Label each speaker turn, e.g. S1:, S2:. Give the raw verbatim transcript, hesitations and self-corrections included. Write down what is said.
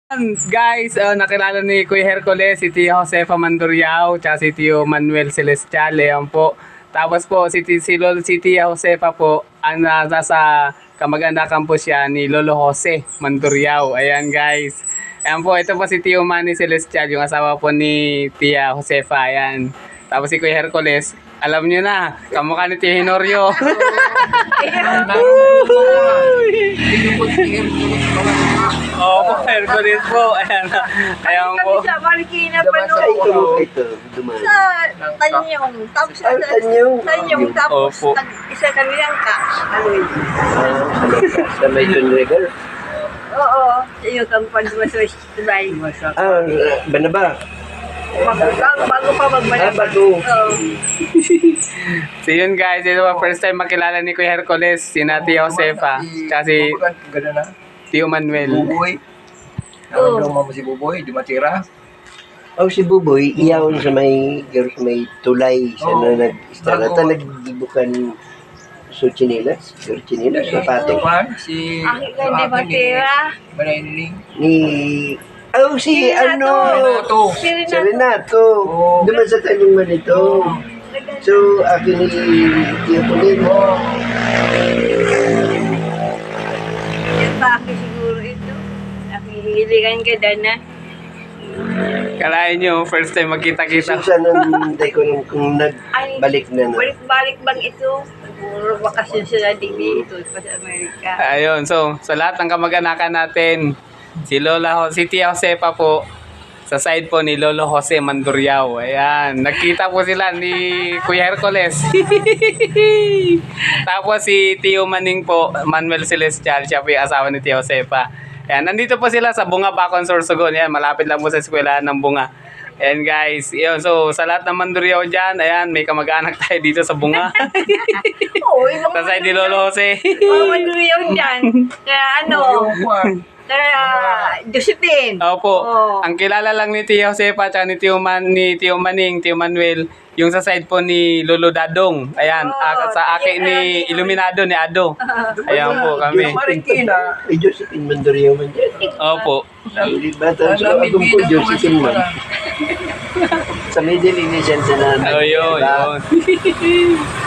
S1: Guys, uh, nakilala ni Kuya Hercules, si Tia Josefa Manduriao, tsaka si Tio Manuel Celestial, ayan po. Tapos po, si, si, Lolo, si Tia Josefa po, ang uh, nasa kamag-anakan po siya ni Lolo Jose Manduriao. Ayan guys. Ayan po, ito po si Tio Manny Celestial, yung asawa po ni Tia Josefa. Ayan. Tapos si Kuya Hercules, alam nyo na, kamukha ni Tio Hinorio. Oo po, Hercules po. Ayan, ayan po.
S2: Kami sa Marikina pa
S3: Sa
S2: noon.
S3: ito, ito, dumaan.
S2: Sa Tanyong. Tapos sa
S3: Ay, Tanyong.
S2: Tanyong. Tapos
S1: Opo.
S2: nag- isa kami lang ka. Aloy.
S3: Ah, sa may Tunregal.
S2: Oo. Sa iyo kang pandumasoy. Sabay.
S3: Ah, Banaba.
S2: Bago, bago pa
S3: Ah,
S2: magbanaba.
S3: bago.
S2: Oo.
S1: So yun guys, ito po first time makilala ni Kuya Hercules, si Tia Josefa, tsaka si
S4: Ganda na.
S1: Tio Manuel.
S4: Buboy.
S2: Oo.
S4: Naramdaman mo si Buboy, di matira.
S3: Oh, si Buboy, iyaw sa may, sa may tulay. Sa
S4: Oo.
S3: na nag-istara.
S4: Bago.
S3: Ta nagdibukan so chinilas. Your chinilas, sapato.
S4: Tupan, si...
S2: Aking ka hindi matira.
S4: Manayniling.
S3: Ni... Oh, si ano...
S4: Renato.
S2: Si
S3: Si
S2: Renato.
S3: Renato.
S4: Oo.
S3: Duman sa tanong man ito. So, akin ni Tio Colin.
S2: Yan ba ako siguro ito? Nakihiligan ka dana.
S1: Kalahin nyo, first time magkita-kita.
S3: Susan ang day ko nung kung
S2: Ay,
S3: nagbalik na na.
S2: Balik-balik bang ito? Siguro bakasyon sila din dito pa sa Amerika.
S1: Ayun, so sa lahat ng kamag-anakan natin, si Lola, Ho- si Tia Josefa po, sa side po ni Lolo Jose Manduriao. Ayan, nagkita po sila ni Kuya Hercules. Tapos si Tio Maning po, Manuel Celestial, siya po yung asawa ni Tia Josefa. Ayan, nandito po sila sa Bunga, Bacon, Sorsogon. Ayan, malapit lang po sa eskwelahan ng Bunga. Ayan guys, yun, so sa lahat ng Manduriao dyan, ayan, may kamag-anak tayo dito sa Bunga.
S2: Oo, yung
S1: Sa side ni Lolo Jose.
S2: mga manduyaw dyan. Kaya ano,
S4: Yung Juan.
S2: kaya Josephine.
S1: Opo.
S2: Oo.
S1: Ang kilala lang ni Tia Josefa at ni Tio, Man, ni Tio Maning, Tio Manuel, yung sa side po ni Lolo Dadong. Ayan,
S2: Oo,
S1: ah, sa akin ni Iluminado ni Ado. Ayan po kami.
S4: Marikina.
S3: Ay, Josephine Mandorio man dyan.
S1: Opo.
S3: Hindi ba? Tapos akong po, Josephine man. Sa middle innocent na namin.
S1: Oh, yun,
S3: Diba?
S1: yun.